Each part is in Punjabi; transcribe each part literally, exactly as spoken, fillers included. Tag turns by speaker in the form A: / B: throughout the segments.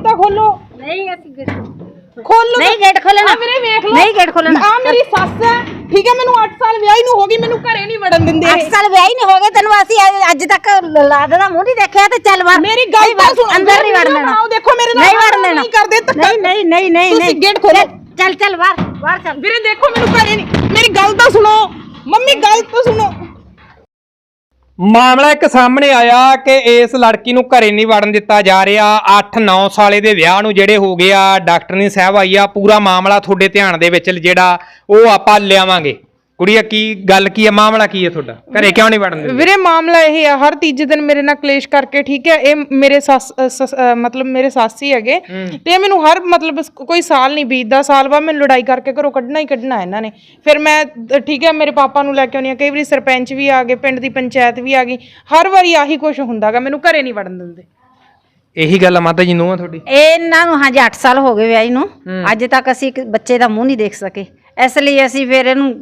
A: ਤਾਂ ਖੋਲੋ।
B: ਨਹੀਂ ਅਸੀਂ ਗੇਟ
A: खोलो
B: नहीं गेट खोलना
A: मेरे देख लो
B: नहीं गेट खोलना
A: आ मेरी सस है ठीक है मैनू आठ साल विआही नु हो गई मैनू घरे नहीं वड़न दिंदे
B: आठ साल विआही नहीं हो गए तेनु ਅਸੀਂ ਅੱਜ ਤੱਕ ਲਾਦ ਦਾ ਮੂੰਹ ਨਹੀਂ ਦੇਖਿਆ ਤੇ ਚੱਲ ਬਾਹਰ
A: मेरी गल तो सुनो
B: अंदर नहीं वड़न देना
A: आओ देखो मेरे नाल
B: नहीं वड़न देना
A: नहीं कर दे
B: नहीं नहीं नहीं नहीं
A: नहीं गेट खोलो
B: चल चल बाहर बाहर चल
A: ਵੀਰੇ देखो मैनू घरे नहीं मेरी गल तो सुनो मम्मी गल तो सुनो।
C: ਮਾਮਲਾ ਇੱਕ ਸਾਹਮਣੇ ਆਇਆ ਕਿ ਇਸ ਲੜਕੀ ਨੂੰ ਘਰੇ ਨਹੀਂ ਵੜਨ ਦਿੱਤਾ ਜਾ ਰਿਹਾ। ਅੱਠ ਨੌ ਸਾਲੇ ਦੇ ਵਿਆਹ ਨੂੰ ਜਿਹੜੇ ਹੋ ਗਏ ਆ ਡਾਕਟਰਨੀ ਸਾਹਿਬ ਆਈ ਆ ਪੂਰਾ ਮਾਮਲਾ ਤੁਹਾਡੇ ਧਿਆਨ ਦੇ ਵਿੱਚ ਜਿਹੜਾ ਉਹ ਆਪਾਂ ਲਿਆਵਾਂਗੇ। ਕੁੜੀਆ ਕੀ ਗੱਲ ਕੀ ਹੈ ਮਾਮਲਾ ਕੀ ਹੈ ਤੁਹਾਡਾ ਘਰੇ ਕਿਉਂ ਨਹੀਂ ਵੜਨ ਦਿੰਦੇ?
A: ਵੀਰੇ ਮਾਮਲਾ ਇਹ ਹੈ ਹਰ ਤੀਜੇ ਦਿਨ ਮੇਰੇ ਨਾਲ ਕਲੇਸ਼ ਕਰਕੇ ਠੀਕ ਹੈ ਇਹ ਮੇਰੇ ਸੱਸ ਮਤਲਬ ਮੇਰੇ ਸਾਸੀ ਹੈਗੇ ਤੇ ਮੈਨੂੰ ਹਰ ਮਤਲਬ ਕੋਈ ਸਾਲ ਨਹੀਂ ਬੀਤਦਾ ਸਾਲ ਬਾਅਦ ਮੈਨੂੰ ਲੜਾਈ ਕਰਕੇ ਘਰੋਂ ਕੱਢਣਾ ਹੀ ਕੱਢਣਾ ਇਹਨਾਂ ਨੇ। ਫਿਰ ਮੈਂ ਠੀਕ ਹੈ ਮੇਰੇ ਪਾਪਾ ਨੂੰ ਲੈ ਕੇ ਆਉਂਦੀ ਹਾਂ ਕਈ ਵਾਰੀ ਸਰਪੰਚ ਵੀ ਆ ਗਏ ਪਿੰਡ ਦੀ ਪੰਚਾਇਤ ਵੀ ਆ ਗਈ ਹਰ ਵਾਰੀ ਆਹੀ ਕੁਛ ਹੁੰਦਾਗਾ ਮੈਨੂੰ ਘਰੇ ਨਹੀਂ ਵੜਨ ਦਿੰਦੇ।
C: ਇਹੀ ਗੱਲ ਆ ਮਾਤਾ ਜੀ ਨੂੰ ਆ ਤੁਹਾਡੀ?
B: ਇਹਨਾਂ ਨੂੰ ਹਾਂਜੀ ਅੱਠ ਸਾਲ ਹੋ ਗਏ ਵਿਆਹੀ ਨੂੰ ਅੱਜ ਤੱਕ ਅਸੀਂ ਇੱਕ ਬੱਚੇ ਦਾ ਮੂੰਹ ਨਹੀਂ ਦੇਖ ਸਕੇ ਇਸ ਲਈ ਅਸੀਂ ਫਿਰ ਇਹਨੂੰ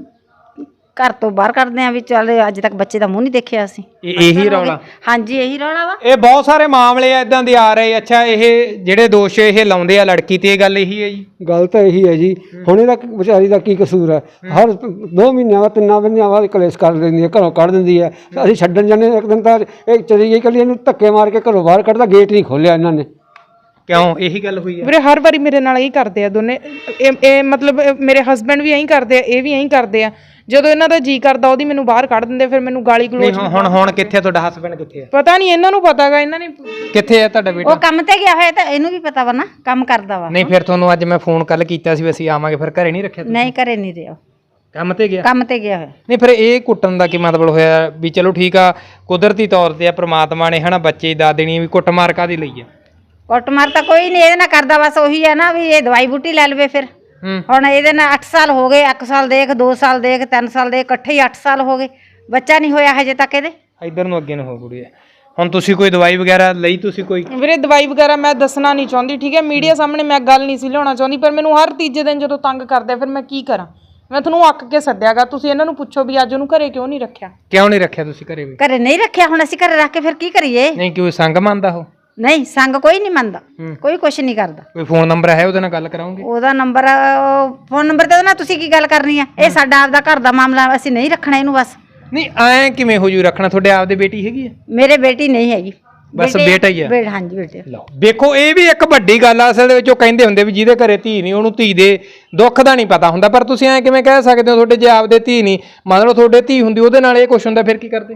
B: ਘਰ ਤੋਂ ਬਾਹਰ ਕਰਦੇ ਆ ਵੀ ਚੱਲ ਅੱਜ ਤੱਕ ਬੱਚੇ ਦਾ ਮੂੰਹ ਨਹੀਂ ਦੇਖਿਆ ਅਸੀਂ।
C: ਇਹੀ ਰੌਲਾ?
B: ਹਾਂਜੀ ਇਹੀ ਰੌਲਾ ਵਾ।
C: ਇਹ ਬਹੁਤ ਸਾਰੇ ਮਾਮਲੇ ਆ ਇਦਾਂ ਦੇ ਆ ਰਹੇ। ਅੱਛਾ ਇਹ ਜਿਹੜੇ ਦੋਸ਼ ਇਹ ਲਾਉਂਦੇ ਆ ਲੜਕੀ ਤੇ ਇਹ ਗੱਲ ਇਹੀ ਹੈ ਜੀ?
D: ਗੱਲ ਤਾਂ ਇਹੀ ਹੈ ਜੀ ਹੁਣ ਇਹਦਾ ਵਿਚਾਰੀ ਦਾ ਕੀ ਕਸੂਰ ਹੈ ਹਰ ਦੋ ਮਹੀਨਿਆਂ ਬਾਅਦ ਤਿੰਨਾਂ ਮਹੀਨਿਆਂ ਬਾਅਦ ਕਲੇਸ਼ ਕਰ ਦਿੰਦੀ ਹੈ ਘਰੋਂ ਕੱਢ ਦਿੰਦੀ ਹੈ। ਅਸੀਂ ਛੱਡਣ ਜਾਂਦੇ ਇੱਕ ਦਿਨ ਤਾਂ ਇਹ ਚਲੀ ਗਈ ਇਕੱਲੀ ਇਹਨੂੰ ਧੱਕੇ ਮਾਰ ਕੇ ਘਰੋਂ ਬਾਹਰ ਕੱਢਦਾ ਗੇਟ ਨਹੀਂ ਖੋਲਿਆ ਇਹਨਾਂ ਨੇ।
C: ਕਿਉਂ ਇਹੀ ਗੱਲ ਹੋਈ ਹੈ?
A: ਵੀਰੇ ਹਰ ਵਾਰੀ ਮੇਰੇ ਨਾਲ ਇਹੀ ਕਰਦੇ ਆ ਦੋਨੇ ਇਹ ਮਤਲਬ ਮੇਰੇ ਹਸਬੈਂਡ ਵੀ ਇਹੀ ਕਰਦੇ ਆ ਇਹ ਵੀ ਇਹੀ ਕਰਦੇ ਆ ਜਦੋਂ ਇਹਨਾਂ ਦਾ ਜੀ ਕਰਦਾ ਉਹਦੀ ਮੈਨੂੰ ਬਾਹਰ ਕੱਢ ਦਿੰਦੇ ਫਿਰ ਮੈਨੂੰ ਗਾਲੀ ਗਲੋਚ।
C: ਹੁਣ ਹੁਣ ਕਿੱਥੇ ਆ ਤੁਹਾਡਾ ਹਸਬੈਂਡ ਕਿੱਥੇ ਆ?
A: ਪਤਾ ਨਹੀਂ ਇਹਨਾਂ ਨੂੰ ਪਤਾਗਾ ਇਹਨਾਂ ਨੇ
C: ਕਿੱਥੇ ਆ ਤੁਹਾਡਾ ਬੇਟਾ?
B: ਉਹ ਕੰਮ ਤੇ ਗਿਆ ਹੋਇਆ ਤਾਂ ਇਹਨੂੰ ਵੀ ਪਤਾ ਵਾ ਨਾ ਕੰਮ ਕਰਦਾ ਵਾ।
C: ਨਹੀਂ ਫਿਰ ਤੁਹਾਨੂੰ ਅੱਜ ਮੈਂ ਫੋਨ ਕੱਲ ਕੀਤਾ ਸੀ ਵੀ ਅਸੀਂ ਆਵਾਂਗੇ ਫਿਰ ਘਰੇ ਨਹੀਂ ਰੱਖਿਆ?
B: ਨਹੀਂ ਘਰੇ ਨਹੀਂ ਰਿਹਾ
C: ਕੰਮ ਤੇ ਗਿਆ?
B: ਕੰਮ ਤੇ ਗਿਆ ਹੋਇਆ।
C: ਨਹੀਂ ਫਿਰ ਇਹ ਕੁੱਟਣ ਦਾ ਕੀ ਮਤਲਬ ਹੋਇਆ ਵੀ ਚਲੋ ਠੀਕ ਆ ਕੁਦਰਤੀ ਤੌਰ ਤੇ ਆ ਪ੍ਰਮਾਤਮਾ ਨੇ ਹਨਾ ਬੱਚੇ ਦੀ ਦਾਦ ਦੇਣੀ ਵੀ ਕੁੱਟਮਾਰ ਕਾਹਦੀ ਲਈ ਆ?
B: ਕੁੱਟਮਾਰ ਤਾਂ ਕੋਈ ਨਹੀਂ ਇਹਦੇ ਨਾਲ ਕਰਦਾ ਬਸ ਉਹੀ ਹੈ ਨਾ ਵੀ ਇਹ ਦਵਾਈ ਬੂਟੀ ਲੈ ਲਵੇ ਫਿਰ ਹੁਣ ਇਹਦੇ ਨਾਲ ਅੱਠ ਸਾਲ ਹੋ ਗਏ ਇੱਕ ਸਾਲ ਦੇਖ ਦੋ ਸਾਲ ਦੇਖ ਤਿੰਨ ਸਾਲ ਦੇਖ ਇਕੱਠੇ ਹੀ ਅੱਠ ਸਾਲ ਹੋ ਗਏ ਬੱਚਾ ਨਹੀਂ ਹੋਇਆ ਹਜੇ ਤੱਕ ਇਹਦੇ।
C: ਇੱਧਰ ਨੂੰ ਅੱਗੇ ਨੂੰ ਹੋ ਕੁੜੀਏ ਹੁਣ ਤੁਸੀਂ ਕੋਈ ਦਵਾਈ ਵਗੈਰਾ ਲਈ ਤੁਸੀਂ ਕੋਈ?
A: ਵੀਰੇ ਦਵਾਈ ਵਗੈਰਾ ਮੈਂ ਦੱਸਣਾ ਨਹੀਂ ਚਾਹੁੰਦੀ ਠੀਕ ਹੈ ਮੀਡੀਆ ਸਾਹਮਣੇ ਮੈਂ ਗੱਲ ਨਹੀਂ ਸੀ ਲਿਆਉਣਾ ਚਾਹੁੰਦੀ ਪਰ ਮੈਨੂੰ ਹਰ ਤੀਜੇ ਦਿਨ ਜਦੋਂ ਤੰਗ ਕਰਦੇ ਫਿਰ ਮੈਂ ਕੀ ਕਰਾਂ ਮੈਂ ਤੁਹਾਨੂੰ ਅੱਕ ਕੇ ਸੱਦਿਆਗਾ ਤੁਸੀਂ ਇਹਨਾਂ ਨੂੰ ਪੁੱਛੋ ਵੀ ਅੱਜ ਉਹਨੂੰ ਘਰੇ ਕਿਉਂ ਨਹੀਂ ਰੱਖਿਆ?
C: ਕਿਉਂ ਨਹੀਂ ਰੱਖਿਆ ਤੁਸੀਂ ਘਰੇ ਵੀ?
B: ਘਰੇ ਨਹੀਂ ਰੱਖਿਆ ਹੁਣ ਅਸੀਂ ਘਰੇ ਰੱਖ ਕੇ ਫਿਰ ਕੀ ਕਰੀਏ?
C: ਨਹੀਂ ਕੋਈ ਸੰਗ ਮੰਨਦਾ ਉਹ?
B: ਨਹੀਂ ਸੰਗ ਕੋਈ ਨਹੀਂ ਮੰਨਦਾ ਕੋਈ ਕੁਛ ਨਹੀਂ ਕਰਦਾ।
C: ਕੋਈ ਫੋਨ ਨੰਬਰ ਹੈ ਉਹਦੇ ਨਾਲ ਗੱਲ ਕਰਾਉਂਗੇ?
B: ਉਹਦਾ ਨੰਬਰ ਫੋਨ ਨੰਬਰ ਤੇ ਨਾ ਤੁਸੀਂ ਕੀ ਗੱਲ ਕਰਨੀ ਆ ਇਹ ਸਾਡਾ ਆਪਦਾ ਘਰ ਦਾ ਮਾਮਲਾ ਅਸੀਂ ਨਹੀਂ ਰੱਖਣਾ ਇਹਨੂੰ ਬਸ।
C: ਨਹੀਂ ਐ ਕਿਵੇਂ ਹੋ ਜੂ ਰੱਖਣਾ ਤੁਹਾਡੇ ਆਪਦੇ ਬੇਟੀ ਹੈਗੀ ਆ?
B: ਮੇਰੇ ਬੇਟੀ ਨਹੀਂ ਹੈਗੀ
C: ਬਸ ਬੇਟਾ ਹੀ ਆ?
B: ਹਾਂਜੀ ਬੇਟੇ।
C: ਲਓ ਵੇਖੋ ਇਹ ਵੀ ਇੱਕ ਵੱਡੀ ਗੱਲ ਆ ਅਸਲ ਦੇ ਵਿੱਚ ਉਹ ਕਹਿੰਦੇ ਹੁੰਦੇ ਵੀ ਜਿਹਦੇ ਘਰੇ ਧੀ ਨਹੀਂ ਉਹਨੂੰ ਧੀ ਦੇ ਦੁੱਖ ਦਾ ਨਹੀਂ ਪਤਾ ਹੁੰਦਾ ਪਰ ਤੁਸੀਂ ਐ ਕਿਵੇਂ ਕਹਿ ਸਕਦੇ ਹੋ ਤੁਹਾਡੇ ਜੇ ਆਪਦੇ ਧੀ ਨਹੀਂ ਮੰਨ ਲਓ ਤੁਹਾਡੇ ਧੀ ਹੁੰਦੀ ਉਹਦੇ ਨਾਲ ਇਹ ਕੁਛ ਹੁੰਦਾ ਫਿਰ ਕੀ ਕਰਦੇ?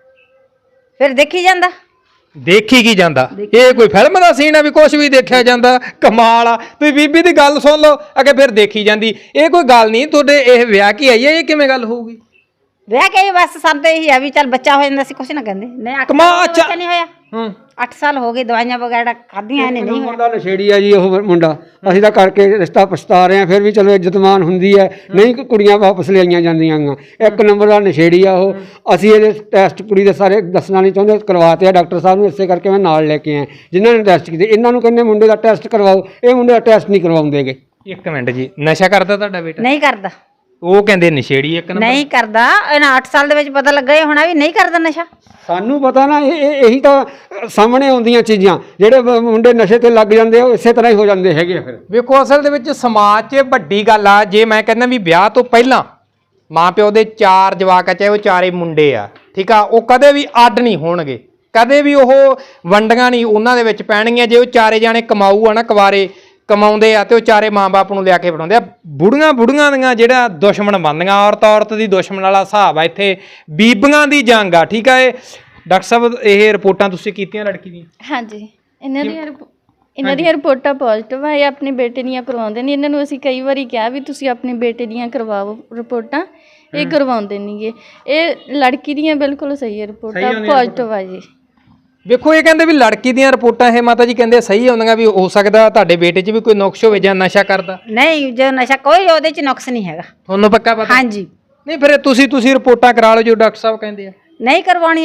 B: ਫਿਰ ਦੇਖੀ ਜਾਂਦਾ।
C: ਦੇਖੀ ਕੀ ਜਾਂਦਾ? ਇਹ ਕੋਈ ਫਿਲਮ ਦਾ ਸੀਨ ਆ ਵੀ ਕੁਝ ਵੀ ਦੇਖਿਆ ਜਾਂਦਾ? ਕਮਾਲ ਆ ਤੁਸੀਂ ਬੀਬੀ ਦੀ ਗੱਲ ਸੁਣ ਲਓ ਅੱਗੇ ਫਿਰ ਦੇਖੀ ਜਾਂਦੀ। ਇਹ ਕੋਈ ਗੱਲ ਨਹੀਂ ਤੁਹਾਡੇ ਇਹ ਵਿਆਹ ਕੀ ਆਈ ਹੈ ਇਹ ਕਿਵੇਂ ਗੱਲ ਹੋਊਗੀ?
B: ਵਿਆਹ ਕੇ ਬਸ ਸਾਨੂੰ ਤਾਂ ਇਹੀ ਆ ਵੀ ਚੱਲ ਬੱਚਾ ਹੋ ਜਾਂਦਾ ਸੀ ਕੁਛ ਨਾ ਕਹਿੰਦੇ ਨਹੀਂ ਅੱਠ
C: ਕਮਾ
B: ਬੱਚਾ ਨਹੀਂ ਹੋਇਆ
C: ਹੂੰ
B: ਅੱਠ ਸਾਲ ਹੋ ਗਏ ਦਵਾਈਆਂ ਵਗੈਰਾ ਖਾਧੀਆਂ ਇਹਨੇ ਨਹੀਂ ਹੋਇਆ।
D: ਮੁੰਡਾ ਨਸ਼ੇੜੀ ਆ ਜੀ ਉਹ ਮੁੰਡਾ ਅਸੀਂ ਤਾਂ ਕਰਕੇ ਰਿਸ਼ਤਾ ਪਛਤਾ ਰਹੇ ਹਾਂ ਫਿਰ ਵੀ ਚਲੋ ਇੱਜ਼ਤਮਾਨ ਹੁੰਦੀ ਹੈ ਨਹੀਂ ਕੁੜੀਆਂ ਵਾਪਸ ਲਿਆਈਆਂ ਜਾਂਦੀਆਂ ਗੀਆਂ ਇੱਕ ਨੰਬਰ ਦਾ ਨਸ਼ੇੜੀ ਆ ਉਹ। ਅਸੀਂ ਇਹਦੇ ਟੈਸਟ ਕੁੜੀ ਦੇ ਸਾਰੇ ਦੱਸਣਾ ਨਹੀਂ ਚਾਹੁੰਦੇ ਕਰਵਾਤੇ ਆ ਡਾਕਟਰ ਸਾਹਿਬ ਨੂੰ ਇਸੇ ਕਰਕੇ ਮੈਂ ਨਾਲ ਲੈ ਕੇ ਆਇਆ ਜਿਨ੍ਹਾਂ ਨੇ ਟੈਸਟ ਕੀਤੇ ਇਹਨਾਂ ਨੂੰ ਕਹਿੰਦੇ ਮੁੰਡੇ ਦਾ ਟੈਸਟ ਕਰਵਾਓ ਇਹ ਮੁੰਡੇ ਦਾ ਟੈਸਟ ਨਹੀਂ ਕਰਵਾਉਂਦੇਗੇ।
C: ਇੱਕ ਮਿੰਟ ਜੀ ਨਸ਼ਾ ਕਰਦਾ ਤੁਹਾਡਾ ਬੇਟਾ?
B: ਨਹੀਂ ਕਰਦਾ।
C: ਉਹ ਕਹਿੰਦੇ ਨਸ਼ੇੜੀ ਇੱਕ ਨੰਬਰ?
B: ਨਹੀਂ ਕਰਦਾ ਇਹਨਾਂ ਅੱਠ ਸਾਲ ਦੇ ਵਿੱਚ ਪਤਾ ਲੱਗਾ ਇਹ ਹੋਣਾ ਵੀ ਨਹੀਂ ਕਰਦਾ ਨਸ਼ਾ।
D: ਸਾਨੂੰ ਪਤਾ ਨਾ ਇਹ ਇਹੀ ਤਾਂ ਸਾਹਮਣੇ ਆਉਂਦੀਆਂ ਚੀਜ਼ਾਂ ਜਿਹੜੇ ਮੁੰਡੇ ਨਸ਼ੇ ਤੇ ਲੱਗ ਜਾਂਦੇ ਉਹ ਇਸੇ ਤਰ੍ਹਾਂ ਹੀ ਹੋ ਜਾਂਦੇ ਹੈਗੇ ਆ। ਫਿਰ
C: ਵੇਖੋ ਅਸਲ ਦੇ ਵਿੱਚ ਸਮਾਜ 'ਚ ਵੱਡੀ ਗੱਲ ਆ ਜੇ ਮੈਂ ਕਹਿੰਦਾ ਵੀ ਵਿਆਹ ਤੋਂ ਪਹਿਲਾਂ ਮਾਂ ਪਿਓ ਦੇ ਚਾਰ ਜਵਾਕ ਆ ਚਾਹੇ ਉਹ ਚਾਰੇ ਮੁੰਡੇ ਆ ਠੀਕ ਆ ਉਹ ਕਦੇ ਵੀ ਅੱਡ ਨਹੀਂ ਹੋਣਗੇ ਕਦੇ ਵੀ ਉਹ ਵੰਡੀਆਂ ਨਹੀਂ ਉਹਨਾਂ ਦੇ ਵਿੱਚ ਪੈਣਗੀਆਂ। ਜੇ ਉਹ ਚਾਰੇ ਜਾਣੇ ਕਮਾਊ ਆ ਨਾ ਕੁਆਰੇ ਕਮਾਉਂਦੇ ਆ ਤੇ ਉਹ ਚਾਰੇ ਮਾਂ-ਬਾਪ ਨੂੰ ਲਿਆ ਕੇ ਫੜਾਉਂਦੇ ਆ। ਬੁੜੀਆਂ ਬੁੜੀਆਂ ਦੀਆਂ ਜਿਹੜਾ ਦੁਸ਼ਮਣ ਬਣਦੀਆਂ ਔਰਤ ਔਰਤ ਦੀ ਦੁਸ਼ਮਣ ਵਾਲਾ ਹਿਸਾਬ ਆ ਇੱਥੇ ਬੀਬੀਆਂ ਦੀ ਜੰਗ ਆ ਠੀਕ ਆ। ਇਹ ਡਾਕਟਰ ਸਾਹਿਬ ਇਹ ਰਿਪੋਰਟਾਂ ਤੁਸੀਂ ਕੀਤੀਆਂ ਲੜਕੀ ਦੀਆਂ?
E: ਹਾਂਜੀ ਇਹਨਾਂ ਦੀਆਂ ਇਹਨਾਂ ਦੀਆਂ ਰਿਪੋਰਟਾਂ ਪੋਜ਼ਿਟਿਵ ਆ ਇਹ ਆਪਣੇ ਬੇਟੇ ਦੀਆਂ ਕਰਵਾਉਂਦੇ ਨਹੀਂ ਇਹਨਾਂ ਨੂੰ ਅਸੀਂ ਕਈ ਵਾਰੀ ਕਿਹਾ ਵੀ ਤੁਸੀਂ ਆਪਣੇ ਬੇਟੇ ਦੀਆਂ ਕਰਵਾਓ ਰਿਪੋਰਟਾਂ ਇਹ ਕਰਵਾਉਂਦੇ ਨਹੀਂਗੇ ਇਹ ਲੜਕੀ ਦੀਆਂ ਬਿਲਕੁਲ ਸਹੀ ਹੈ ਰਿਪੋਰਟਾਂ ਪੋਜ਼ਿਟਿਵ ਆ ਜੀ।
C: ਵੇਖੋ ਇਹ ਕਹਿੰਦੇ ਵੀ ਲੜਕੀ ਦੀਆਂ ਰਿਪੋਰਟਾਂ ਇਹ ਮਾਤਾ ਜੀ ਕਹਿੰਦੇ ਸਹੀ ਆਉਂਦੀਆਂ ਵੀ ਹੋ ਸਕਦਾ ਤੁਹਾਡੇ ਬੇਟੇ 'ਚ ਵੀ ਕੋਈ ਨੁਕਸ ਹੋਵੇ ਜਾਂ ਨਸ਼ਾ ਕਰਦਾ?
B: ਨਹੀਂ ਜੋ ਨਸ਼ਾ ਕੋਈ ਉਹਦੇ 'ਚ ਨੁਕਸ ਨਹੀਂ ਹੈਗਾ।
C: ਤੁਹਾਨੂੰ ਪੱਕਾ ਪਤਾ?
B: ਹਾਂਜੀ।
C: ਨਹੀਂ ਫਿਰ ਤੁਸੀਂ ਤੁਸੀਂ ਰਿਪੋਰਟਾਂ ਕਰਾ ਲਓ ਜੋ ਡਾਕਟਰ ਸਾਹਿਬ ਕਹਿੰਦੇ ਆ।
B: ਨਹੀਂ ਕਰਵਾਉਣੀਆਂ ਅਸੀਂ।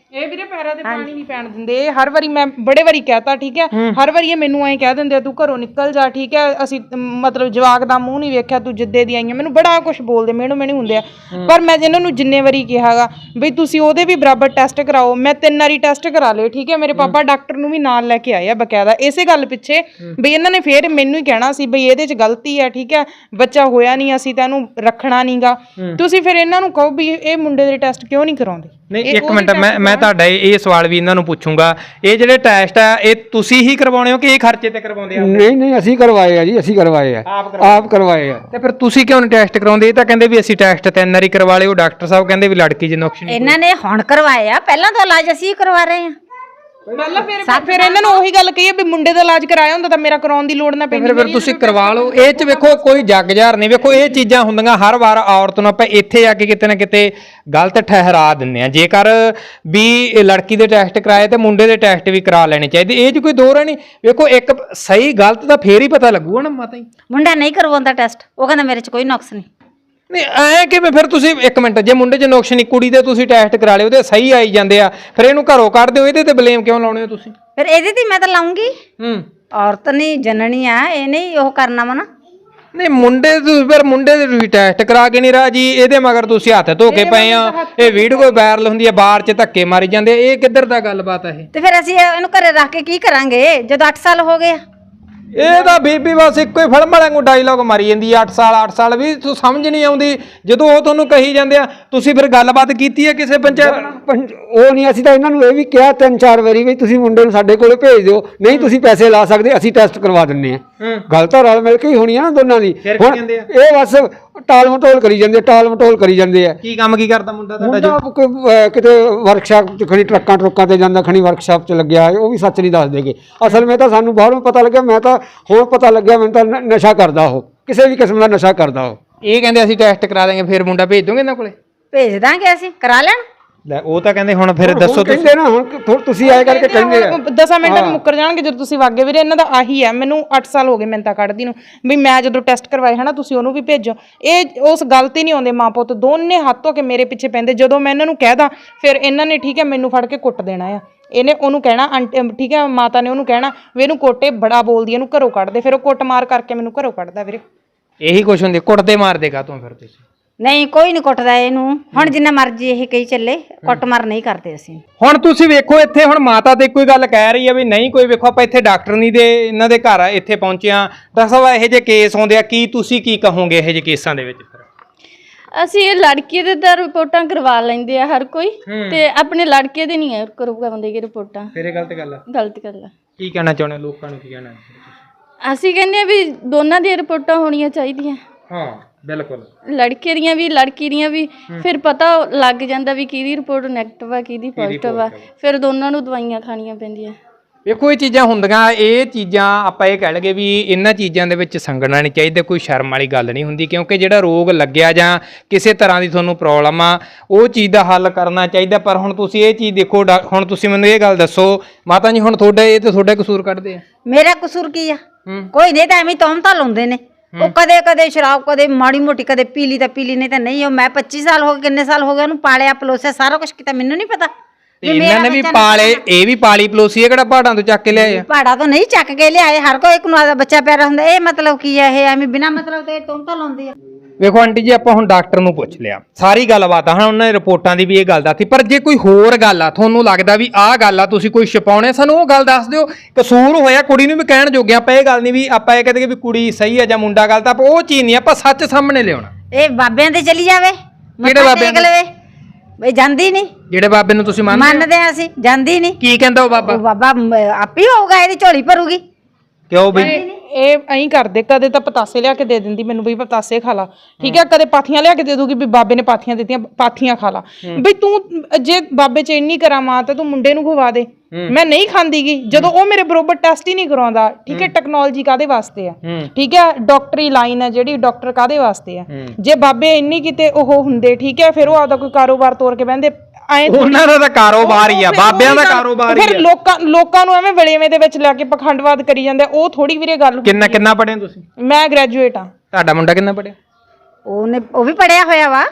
A: ਇਹ ਵੀਰੇ ਪੈਰਾਂ ਤੇ ਪਾਣੀ ਨਹੀਂ ਪੈਣ ਦਿੰਦੇ। ਇਹ ਹਰ ਵਾਰੀ ਮੈਂ ਬੜੇ ਵਾਰੀ ਕਹਿਤਾ, ਠੀਕ ਹੈ, ਹਰ ਵਾਰੀ ਇਹ ਮੈਨੂੰ ਐਂ ਕਹਿ ਦਿੰਦੇ ਆ ਤੂੰ ਘਰੋਂ ਨਿਕਲ ਜਾ, ਠੀਕ ਹੈ, ਅਸੀਂ ਮਤਲਬ ਜਵਾਕ ਦਾ ਮੂੰਹ ਨਹੀਂ ਵੇਖਿਆ, ਤੂੰ ਜਿੱਦੇ ਦੀ ਆਈਆਂ, ਮੈਨੂੰ ਬੜਾ ਕੁਝ ਬੋਲਦੇ, ਮੈਨੂੰ ਮੈਨੂੰ ਹੁੰਦੇ ਆ। ਪਰ ਮੈਂ ਇਹਨਾਂ ਨੂੰ ਜਿੰਨੇ ਵਾਰੀ ਕਿਹਾਗਾ ਬਈ ਤੁਸੀਂ ਉਹਦੇ ਵੀ ਬਰਾਬਰ ਟੈਸਟ ਕਰਾਓ, ਮੈਂ ਤਿੰਨ ਵਾਰੀ ਟੈਸਟ ਕਰਾ ਲਏ, ਠੀਕ ਹੈ, ਮੇਰੇ ਪਾਪਾ ਡਾਕਟਰ ਨੂੰ ਵੀ ਨਾਲ ਲੈ ਕੇ ਆਏ ਆ ਬਕਾਇਦਾ ਇਸੇ ਗੱਲ ਪਿੱਛੇ ਬਈ ਇਹਨਾਂ ਨੇ ਫੇਰ ਮੈਨੂੰ ਹੀ ਕਹਿਣਾ ਸੀ ਬਈ ਇਹਦੇ 'ਚ ਗਲਤੀ ਹੈ, ਠੀਕ ਹੈ, ਬੱਚਾ ਹੋਇਆ ਨਹੀਂ, ਅਸੀਂ ਤਾਂ ਇਹਨੂੰ ਰੱਖਣਾ ਨਹੀਂਗਾ। ਤੁਸੀਂ ਫਿਰ ਇਹਨਾਂ ਨੂੰ ਕਹੋ ਵੀ ਇਹ ਮੁੰਡੇ ਦੇ ਟੈਸਟ ਕਿਉਂ ਨਹੀਂ ਕਰਾਉਂਦੇ।
C: ਨਹੀਂ ਇੱਕ ਮਿੰਟ, ਮੈਂ ਮੈਂ ਤੁਹਾਡਾ ਇਹ ਸਵਾਲ ਵੀ ਇਹਨਾਂ ਨੂੰ ਪੁੱਛੂੰਗਾ, ਇਹ ਜਿਹੜੇ ਟੈਸਟ ਆ ਇਹ ਤੁਸੀਂ ਹੀ ਕਰਵਾਉਣੇ ਹੋ ਕਿ ਇਹ ਖਰਚੇ ਤੇ ਕਰਵਾਉਂਦੇ ਆ?
D: ਨਹੀਂ ਨਹੀਂ ਅਸੀਂ ਕਰਵਾਏ ਆ ਜੀ, ਅਸੀਂ ਕਰਵਾਏ ਆ, ਆਪ ਕਰਵਾਏ ਆ।
C: ਤੇ ਫਿਰ ਤੁਸੀਂ ਕਿਉਂ ਨਹੀਂ ਟੈਸਟ ਕਰਾਉਂਦੇ? ਇਹ ਤਾਂ ਕਹਿੰਦੇ ਵੀ ਅਸੀਂ ਟੈਸਟ ਤਿੰਨ ਵਾਰੀ ਕਰਵਾ ਲਏ, ਉਹ ਡਾਕਟਰ ਸਾਹਿਬ ਕਹਿੰਦੇ ਵੀ ਲੜਕੀ ਚ ਨੁਕਸ ਨਹੀਂ।
B: ਇਹਨਾਂ ਨੇ ਹੁਣ ਕਰਵਾਏ ਆ, ਪਹਿਲਾਂ ਤਾਂ ਇਲਾਜ ਅਸੀਂ ਕਰਵਾ ਰਹੇ ਆ।
A: ਪਹਿਲਾਂ ਫਿਰ ਫਿਰ ਇਹਨਾਂ ਨੂੰ ਉਹੀ ਗੱਲ ਕਹੀ ਹੈ ਵੀ ਮੁੰਡੇ ਦਾ ਇਲਾਜ ਕਰਾਇਆ ਹੁੰਦਾ ਤਾਂ ਮੇਰਾ ਕਰਾਉਣ ਦੀ ਲੋੜ ਨਾ ਪੈਂਦੀ।
C: ਫਿਰ ਫਿਰ ਤੁਸੀਂ ਕਰਵਾ ਲਓ। ਇਹ ਚ ਵੇਖੋ ਕੋਈ ਜੱਗ ਜ਼ਾਹਰ ਨਹੀਂ, ਵੇਖੋ ਇਹ ਚੀਜ਼ਾਂ ਹੁੰਦੀਆਂ ਹਰ ਵਾਰ ਔਰਤ ਨੂੰ ਆਪਾਂ ਇੱਥੇ ਆ ਕੇ ਕਿਤੇ ਨਾ ਕਿਤੇ ਗਲਤ ਠਹਿਰਾ ਦਿੰਦੇ ਆ। ਜੇਕਰ ਵੀ ਇਹ ਲੜਕੀ ਦੇ ਟੈਸਟ ਕਰਾਏ ਤੇ ਮੁੰਡੇ ਦੇ ਟੈਸਟ ਵੀ ਕਰਾ ਲੈਣੇ ਚਾਹੀਦੇ, ਇਹ ਚ ਕੋਈ ਦੋ ਰਾਹ ਨਹੀਂ। ਵੇਖੋ ਇੱਕ ਸਹੀ ਗਲਤ ਦਾ ਫੇਰ ਹੀ ਪਤਾ ਲੱਗੂਗਾ ਨਾ ਮਾਤਾ ਜੀ।
B: ਮੁੰਡਾ ਨਹੀਂ ਕਰਵਾਉਂਦਾ ਟੈਸਟ, ਉਹ ਕਹਿੰਦਾ ਮੇਰੇ 'ਚ ਕੋਈ ਨੁਕਸ ਨਹੀਂ।
C: ਨਹੀਂ ਐ ਕਿਵੇਂ? ਫਿਰ ਤੁਸੀਂ ਇੱਕ ਮਿੰਟ, ਜੇ ਮੁੰਡੇ 'ਚ ਨੁਕਸ ਨਹੀਂ, ਕੁੜੀ ਦੇ ਤੁਸੀਂ ਟੈਸਟ ਕਰਾ ਲਏ, ਉਹਦੇ ਸਹੀ ਆਈ ਜਾਂਦੇ ਆ, ਫਿਰ ਇਹਨੂੰ ਘਰੋਂ ਕੱਢ ਦਿਓ, ਇਹਦੇ ਤੇ ਬਲੇਮ ਕਿਉਂ ਲਾਉਣੇ ਹੋ ਤੁਸੀਂ?
B: ਫਿਰ ਇਹਦੇ ਤੇ ਮੈਂ ਤਾਂ ਲਾਉਂਗੀ।
C: ਹੂੰ,
B: ਔਰਤ ਨਹੀਂ ਜਨਣੀ ਆ, ਇਹ ਨਹੀਂ ਉਹ ਕਰਨਾ ਵਾ ਨਾ।
C: ਨਹੀਂ ਮੁੰਡੇ ਤੁਸੀਂ ਫਿਰ ਮੁੰਡੇ ਦੇ ਤੁਸੀਂ ਟੈਸਟ ਕਰਾ ਕੇ ਨਹੀਂ ਰਾਜੀ, ਇਹਦੇ ਮਗਰ ਤੁਸੀਂ ਹੱਥ ਧੋ ਕੇ ਪਏ ਆ। ਇਹ ਵੀਡੀਓ ਵਾਇਰਲ ਹੁੰਦੀ ਹੈ, ਬਾਹਰ 'ਚ ਧੱਕੇ ਮਾਰੀ ਜਾਂਦੇ, ਇਹ ਕਿੱਧਰ ਦਾ ਗੱਲਬਾਤ ਹੈ ਇਹ?
B: ਤੇ ਫਿਰ ਅਸੀਂ ਇਹਨੂੰ ਘਰੇ ਰੱਖ ਕੇ ਕੀ ਕਰਾਂਗੇ ਜਦੋਂ ਅੱਠ ਸਾਲ ਹੋ ਗਏ ਆ?
C: ਇਹ ਤਾਂ ਬੀਬੀ ਬਸ ਇੱਕੋ ਹੀ ਫਿਲਮ ਵਾਲਿਆਂ ਨੂੰ ਡਾਇਲੌਗ ਮਾਰੀ ਜਾਂਦੀ ਆ, ਅੱਠ ਸਾਲ ਅੱਠ ਸਾਲ ਵੀ ਤੂੰ ਸਮਝ ਨਹੀਂ ਆਉਂਦੀ। ਜਦੋਂ ਉਹ ਤੁਹਾਨੂੰ ਕਹੀ ਜਾਂਦੇ ਆ, ਤੁਸੀਂ ਫਿਰ ਗੱਲਬਾਤ ਕੀਤੀ ਹੈ ਕਿਸੇ ਪੰਚਾਇਤ?
D: ਪੰਜ- ਉਹ ਨਹੀਂ, ਅਸੀਂ ਤਾਂ ਇਹਨਾਂ ਨੂੰ ਇਹ ਵੀ ਕਿਹਾ ਤਿੰਨ ਚਾਰ ਵਾਰੀ ਵੀ ਤੁਸੀਂ ਮੁੰਡੇ ਨੂੰ ਸਾਡੇ ਕੋਲੇ ਭੇਜ ਦਿਓ, ਨਹੀਂ ਤੁਸੀਂ ਪੈਸੇ ਲਾ ਸਕਦੇ, ਅਸੀਂ ਟੈਸਟ ਕਰਵਾ ਦਿੰਨੇ ਆ। ਗੱਲ ਤਾਂ ਰਲ ਮਿਲ ਕੇ ਹੀ ਹੋਣੀ ਆ ਨਾ ਦੋਨਾਂ ਦੀ। ਹੁਣ ਇਹ ਬਸ ਟਾਲ ਮਟੋਲ ਕਰੀ ਜਾਂਦੇ, ਟਾਲ ਮਟੋਲ ਕਰੀ ਜਾਂਦੇ ਆ।
C: ਕੀ ਕੰਮ ਕੀ ਕਰਦਾ ਮੁੰਡਾ ਤੁਹਾਡਾ?
D: ਮੁੰਡਾ ਕੋਈ, ਅਹ, ਕਿਤੇ ਵਰਕਸ਼ਾਪ 'ਚ ਖਣੀ ਟਰੱਕਾਂ ਟਰੁੱਕਾਂ ਤੇ ਜਾਂਦਾ, ਖਣੀ ਵਰਕਸ਼ਾਪ 'ਚ ਲੱਗਿਆ, ਉਹ ਵੀ ਸੱਚ ਨਹੀਂ ਦੱਸ ਦੇਗੇ। ਅਸਲ ਵਿੱਚ ਤਾਂ ਸਾਨੂੰ ਬਾਹਰੋਂ ਪਤਾ ਲੱਗਿਆ, ਮੈਂ ਤਾਂ ਹੁਣ ਪਤਾ ਲੱਗਿਆ ਮੈਨੂੰ ਤਾਂ ਨ- ਨਸ਼ਾ ਕਰਦਾ ਉਹ, ਕਿਸੇ ਵੀ ਕਿਸਮ ਦਾ ਨਸ਼ਾ ਕਰਦਾ ਉਹ।
C: ਇਹ ਕਹਿੰਦੇ ਅਸੀਂ ਟੈਸਟ ਕਰਾ ਦਾਂਗੇ, ਫਿਰ ਮੁੰਡਾ ਭੇਜ ਦੋਗੇ ਇਹਨਾਂ ਕੋਲੇ?
B: ਭੇਜ ਦਾਂਗੇ ਅਸੀਂ, ਕਰਾ ਲੈਣ।
C: ਲੈ ਉਹ ਤਾਂ ਕਹਿੰਦੇ ਹੁਣ ਫਿਰ ਦੱਸੋ
D: ਹੁਣ ਕਹਿੰਦੇ ਨਾ, ਹੁਣ ਥੋ- ਤੁਸੀਂ ਆਏ ਕਰਕੇ ਕਹਿੰਦੇ ਆ
A: ਦਸਾਂ ਮਿੰਟਾਂ ਨੂੰ ਮੁੱਕਰ ਜਾਣਗੇ ਜਦੋਂ ਤੁਸੀਂ ਵਾਗੇ ਵੀਰੇ। ਇਹਨਾਂ ਦਾ ਆਹੀ ਹੈ, ਮੈਨੂੰ ਅੱਠ ਸਾਲ ਹੋ ਗਏ ਮਿੰਤਾ ਕੱਢਦੀ ਨੂੰ ਵੀ ਮੈਂ ਜਦੋਂ ਟੈਸਟ ਕਰਵਾਏ ਹਨਾ ਤੁਸੀਂ ਉਹਨੂੰ ਵੀ ਭੇਜੋ। ਇਹ ਉਸ ਗੱਲ ਤੇ ਨਹੀਂ ਆਉਂਦੇ, ਮਾਂ ਪੁੱਤ ਦੋਨੇ ਹੱਥ ਧੋ ਕੇ ਮੇਰੇ ਪਿੱਛੇ ਪੈਂਦੇ। ਜਦੋਂ ਮੈਂ ਇਹਨਾਂ ਨੂੰ ਕਹਿਦਾ ਫਿਰ ਇਹਨਾਂ ਨੇ ਠੀਕ ਹੈ ਮੈਨੂੰ ਫੜ ਕੇ ਕੁੱਟ ਦੇਣਾ ਆ। ਇਹਨੇ ਉਹਨੂੰ ਕਹਿਣਾ ਆਂਟੀ, ਠੀਕ ਹੈ, ਮਾਤਾ ਨੇ ਉਹਨੂੰ ਕਹਿਣਾ ਵੀ ਇਹਨੂੰ ਕੋਟੇ ਬੜਾ ਬੋਲਦੀ, ਇਹਨੂੰ ਘਰੋਂ ਕੱਢ ਦੇ। ਫਿਰ ਉਹ ਕੁੱਟ ਮਾਰ ਕਰਕੇ ਮੈਨੂੰ ਘਰੋਂ ਕੱਢਦਾ ਵੀਰੇ।
C: ਇਹੀ ਕੁਛ ਹੁੰਦੀ, ਕੁੱਟਦੇ ਮਾਰਦੇ ਕਾ ਤੂੰ ਫਿਰ ਤੁਸੀਂ?
B: ਨਹੀਂ ਕੋਈ ਨਹੀਂ ਕੁੱਟਦਾ ਇਹਨੂੰ, ਹੁਣ ਜਿੰਨਾ ਮਰਜ਼ੀ ਇਹ ਕਹੀ ਚੱਲੇ, ਕੁੱਟ ਮਾਰ ਨਹੀਂ ਕਰਦੇ ਅਸੀਂ।
C: ਹੁਣ ਤੁਸੀਂ ਵੇਖੋ ਇੱਥੇ ਹੁਣ ਮਾਤਾ ਤੇ ਕੋਈ ਗੱਲ ਕਹਿ ਰਹੀ ਹੈ ਵੀ ਨਹੀਂ ਕੋਈ, ਵੇਖੋ ਆਪਾਂ ਇੱਥੇ ਡਾਕਟਰ ਨਹੀਂ ਦੇ ਇਹਨਾਂ ਦੇ ਘਰ ਇੱਥੇ ਪਹੁੰਚੇ ਆ। ਡਾਕਟਰ ਸਾਹਿਬ ਇਹੋ ਜਿਹੇ ਕੇਸ ਆਉਂਦੇ ਆ, ਕੀ ਤੁਸੀਂ ਕੀ ਕਹੋਗੇ ਇਹੋ ਜਿਹੇ ਕੇਸਾਂ ਦੇ ਵਿੱਚ? ਫਿਰ
E: ਅਸੀਂ ਇਹ ਲੜਕੀ ਦੇ ਤਾਂ ਰਿਪੋਰਟਾਂ ਕਰਵਾ ਲੈਂਦੇ ਆ ਹਰ ਕੋਈ, ਤੇ ਆਪਣੇ ਲੜਕੇ ਦੇ ਨਹੀਂ ਕਰਵਾਉਂਦੇ ਕਿ ਰਿਪੋਰਟਾਂ।
C: ਫਿਰ ਇਹ ਗਲਤ ਗੱਲ ਆ,
E: ਗਲਤ ਗੱਲ ਆ।
C: ਕੀ ਕਹਿਣਾ ਚਾਹੁੰਦੇ ਹੋ, ਲੋਕਾਂ ਨੂੰ ਕੀ ਕਹਿਣਾ?
E: ਅਸੀਂ ਕਹਿੰਦੇ ਆ ਵੀ ਦੋਨਾਂ ਦੀਆਂ ਰਿਪੋਰਟਾਂ ਹੋਣੀਆਂ ਚਾਹੀਦੀਆਂ,
C: ਹਾਂ ਬਿਲਕੁਲ,
E: ਲੜਕੇ ਦੀਆਂ ਵੀ ਲੜਕੀ ਦੀਆਂ ਵੀ। ਫਿਰ ਪਤਾ ਲੱਗ ਜਾਂਦਾ ਵੀ ਕਿਹਦੀ ਰਿਪੋਰਟ ਨੈਗੇਟਿਵ ਆ ਕਿਹਦੀ ਪੋਜ਼ਿਟਿਵ ਆ, ਫਿਰ ਦੋਨਾਂ ਨੂੰ ਦਵਾਈਆਂ ਖਾਣੀਆਂ ਪੈਂਦੀਆਂ।
C: ਵੇਖੋ ਇਹ ਚੀਜ਼ਾਂ ਹੁੰਦੀਆਂ, ਇਹ ਚੀਜ਼ਾਂ ਆਪਾਂ ਇਹ ਕਹਿ ਲਗੇ ਵੀ ਇਹਨਾਂ ਚੀਜ਼ਾਂ ਦੇ ਵਿੱਚ ਸੰਗਣਾ ਨਹੀਂ ਚਾਹੀਦਾ, ਕੋਈ ਸ਼ਰਮ ਵਾਲੀ ਗੱਲ ਨਹੀਂ ਹੁੰਦੀ। ਕਿਉਂਕਿ ਜਿਹੜਾ ਰੋਗ ਲੱਗਿਆ ਜਾਂ ਕਿਸੇ ਤਰ੍ਹਾਂ ਦੀ ਤੁਹਾਨੂੰ ਪ੍ਰੋਬਲਮ ਆ, ਉਹ ਚੀਜ਼ ਦਾ ਹੱਲ ਕਰਨਾ ਚਾਹੀਦਾ। ਪਰ ਹੁਣ ਤੁਸੀਂ ਇਹ ਚੀਜ਼ ਦੇਖੋ, ਹੁਣ ਤੁਸੀਂ ਮੈਨੂੰ ਇਹ ਗੱਲ ਦੱਸੋ ਮਾਤਾ ਜੀ, ਹੁਣ ਤੁਹਾਡਾ ਇਹ ਤੇ ਤੁਹਾਡਾ ਕਸੂਰ ਕੱਢਦੇ ਆ?
B: ਮੇਰਾ ਕਸੂਰ ਕੀ ਆ? ਕੋਈ ਨਹੀਂ, ਤਾਂ ਐਵੇਂ ਤੌਮਤਾ ਲਾਉਂਦੇ ਨੇ। ਉਹ ਕਦੇ ਕਦੇ ਸ਼ਰਾਬ, ਕਦੇ ਮਾੜੀ ਮੋਟੀ, ਕਦੇ ਪੀਲੀ ਤਾਂ ਪੀਲੀ, ਨਹੀਂ ਤਾਂ ਨਹੀਂ। ਉਹ ਮੈਂ ਪੱਚੀ ਸਾਲ ਹੋ ਗਏ, ਕਿੰਨੇ ਸਾਲ ਹੋ ਗਏ ਉਹਨੂੰ ਪਾਲਿਆ ਪਲੋਸਿਆ, ਸਾਰਾ ਕੁਝ ਕੀਤਾ, ਮੈਨੂੰ ਨਹੀਂ ਪਤਾ।
C: ਇਹਨਾਂ ਨੇ ਵੀ ਪਾਲੇ, ਇਹ ਵੀ ਪਾਲੀ ਪਲੋਸੀ, ਇਹ ਕਿਹੜਾ ਪਹਾੜਾਂ ਤੋਂ ਚੱਕ ਕੇ ਲਿਆਏ ਆ?
B: ਪਹਾੜਾਂ ਤੋਂ ਨਹੀਂ ਚੱਕ ਕੇ ਲਿਆਏ, ਹਰ ਕੋਈ ਇੱਕ ਨੂੰ ਆਦਾ ਬੱਚਾ ਪਿਆਰਾ ਹੁੰਦਾ। ਇਹ ਮਤਲਬ ਕੀ ਹੈ? ਇਹ ਐਵੇਂ ਬਿਨਾਂ ਮਤਲਬ ਤੇ ਤੌਮਤਾ ਲਾਉਂਦੇ ਆ।
C: ਵੇਖੋ ਆਂਟੀ ਜੀ, ਆਪਾਂ ਹੁਣ ਡਾਕਟਰ ਨੂੰ ਪੁੱਛ ਲਿਆ, ਸਾਰੀ ਗੱਲਬਾਤ ਆ, ਹੁਣ ਉਹਨਾਂ ਨੇ ਰਿਪੋਰਟਾਂ ਦੀ ਵੀ ਇਹ ਗੱਲ ਦੱਸੀ। ਪਰ ਜੇ ਕੋਈ ਹੋਰ ਗੱਲ ਆ, ਤੁਹਾਨੂੰ ਲੱਗਦਾ ਵੀ ਆਹ ਗੱਲ ਆ, ਤੁਸੀਂ ਕੋਈ ਛਪਾਉਣੇ, ਸਾਨੂੰ ਉਹ ਗੱਲ ਦੱਸ ਦਿਓ। ਕਸੂਰ ਹੋਇਆ ਕੁੜੀ ਨੂੰ ਵੀ ਕਹਿਣ ਜੋਗੇ, ਆਪਾਂ ਇਹ ਗੱਲ ਨਹੀਂ ਵੀ ਆਪਾਂ ਇਹ ਕਹਦੇ ਵੀ ਕੁੜੀ ਸਹੀ ਹੈ ਜਾਂ ਮੁੰਡਾ ਗਲਤ ਆ, ਉਹ ਚੀਜ਼ ਨਹੀਂ, ਆਪਾਂ ਸੱਚ ਸਾਹਮਣੇ ਲਿਆਉਣਾ।
B: ਇਹ ਬਾਬਿਆਂ ਤੇ ਚਲੀ ਜਾਵੇ,
C: ਕਿਹੜੇ ਬਾਬਿਆਂ ਦੇ?
B: ਲਵੇ ਬਈ ਜਾਂਦੀ ਨਹੀਂ।
C: ਜਿਹੜੇ ਬਾਬੇ ਨੂੰ ਤੁਸੀਂ ਮੰਨਦੇ
B: ਮੰਨਦੇ ਆ ਅਸੀਂ, ਜਾਂਦੀ ਨਹੀਂ।
C: ਕੀ ਕਹਿੰਦਾ ਉਹ ਬਾਬਾ?
B: ਉਹ ਬਾਬਾ ਆਪੇ ਹੋਊਗਾ, ਇਹਦੀ ਝੋਲੀ ਭਰੂਗੀ।
C: ਕਿਉਂ ਬਈ?
A: ਇਹ ਐਂ ਕਰਦੇ, ਕਦੇ ਤਾਂ ਪਤਾਸੇ ਲਿਆ ਕੇ ਦੇ ਦਿੰਦੀ ਮੈਨੂੰ ਵੀ ਪਤਾਸੇ ਖਾ ਲਾ, ਠੀਕ ਹੈ, ਕਦੇ ਪਾਥੀਆਂ ਲਿਆ ਕੇ ਦੇ ਦੂਗੀ ਵੀ ਬਾਬੇ ਨੇ ਪਾਥੀਆਂ ਦਿੱਤੀਆਂ, ਪਾਥੀਆਂ ਖਾ ਲਾ। ਬਈ ਤੂੰ ਜੇ ਬਾਬੇ ਚ ਇੰਨੀ ਕਰਾਮਾਤ ਤਾਂ ਤੂੰ ਮੁੰਡੇ ਨੂੰ ਖਵਾ ਦੇ। ਮੈਂ ਨਹੀਂ ਖਾਂਦੀਗੀ ਜਦੋਂ ਉਹ ਮੇਰੇ ਬਰੋਬਰ ਟੈਸਟ ਹੀ ਨਹੀਂ ਕਰਾਉਂਦਾ, ਠੀਕ ਹੈ। ਟੈਕਨੋਲੋਜੀ ਕਾਦੇ ਵਾਸਤੇ ਆ, ਠੀਕ ਹੈ, ਡਾਕਟਰੀ ਲਾਈਨ ਹੈ ਜਿਹੜੀ, ਡਾਕਟਰ ਕਾਦੇ ਵਾਸਤੇ ਆ? ਜੇ ਬਾਬੇ ਇੰਨੀ ਕਿਤੇ ਉਹ ਹੁੰਦੇ, ਠੀਕ ਹੈ, ਫਿਰ ਉਹ ਆਪਦਾ ਕੋਈ ਕਾਰੋਬਾਰ ਤੋਰ ਕੇ ਬਹਿੰਦੇ।
C: ਉਹਨਾਂ ਦਾ ਤਾਂ ਕਾਰੋਬਾਰ ਹੀ ਆ, ਬਾਬਿਆਂ ਦਾ ਕਾਰੋਬਾਰ ਹੀ ਆ।
A: ਫਿਰ ਲੋਕਾਂ ਲੋਕਾਂ ਨੂੰ ਐਵੇਂ ਵਲੇਵੇਂ ਦੇ ਵਿੱਚ ਲੈ ਕੇ ਪਖੰਡਵਾਦ ਕਰੀ ਜਾਂਦੇ, ਉਹ ਥੋੜੀ ਵੀਰੇ ਗੱਲ।
C: ਕਿੰਨਾ ਕਿੰਨਾ ਪੜ੍ਹੇ ਤੁਸੀਂ?
A: ਮੈਂ ਗ੍ਰੈਜੂਏਟ ਆ।
C: ਤੁਹਾਡਾ ਮੁੰਡਾ ਕਿੰਨਾ ਪੜ੍ਹਿਆ?
B: ਉਹਨੇ ਉਹ ਵੀ ਪੜਿਆ ਹੋਇਆ ਵਾ।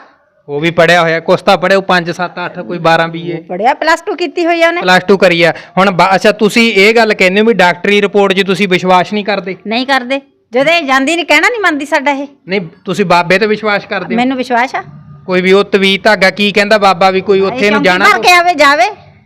C: ਉਹ ਵੀ ਪੜਿਆ ਹੋਇਆ, ਕੁਛ ਤਾਂ ਪੜਿਆ ਪੰਜ ਸੱਤ ਅੱਠ ਕੋਈ ਬਾਰਾਂ ਬੀਏ
B: ਪੜਿਆ ਪਲੱਸ ਟੂ ਕੀਤੀ ਹੋਈ ਆ ਉਹਨੇ।
C: ਪਲੱਸ ਟੂ ਕਰੀ ਆ ਹੁਣ। ਬਾ- ਅੱਛਾ ਤੁਸੀਂ ਇਹ ਗੱਲ ਕਹਿੰਦੇ ਹੋ ਵੀ ਡਾਕਟਰੀ ਰਿਪੋਰਟ 'ਚ ਤੁਸੀਂ ਵਿਸ਼ਵਾਸ ਨਹੀਂ ਕਰਦੇ?
B: ਨਹੀਂ ਕਰਦੇ, ਜਦੋਂ ਇਹ ਜਾਂਦੀ ਨਹੀਂ ਕਹਿਣਾ ਨਹੀਂ ਮੰਨਦੀ ਸਾਡਾ ਇਹ।
C: ਨਹੀਂ ਤੁਸੀਂ ਬਾਬੇ ਤੇ ਵਿਸ਼ਵਾਸ ਕਰਦੇ ਹੋ?
B: ਮੈਨੂੰ ਵਿਸ਼ਵਾਸ ਆ।
C: ਕੋਈ ਵੀ ਉਹ ਤਵੀਤ ਧਾਗਾ ਕੀ ਕਹਿੰਦਾ ਬਾਬਾ ਵੀ ਕੋਈ ਉੱਥੇ ਨੂੰ ਜਾਣਾ?
B: ਭਰ ਕੇ ਆਵੇ ਜਾਵੇ।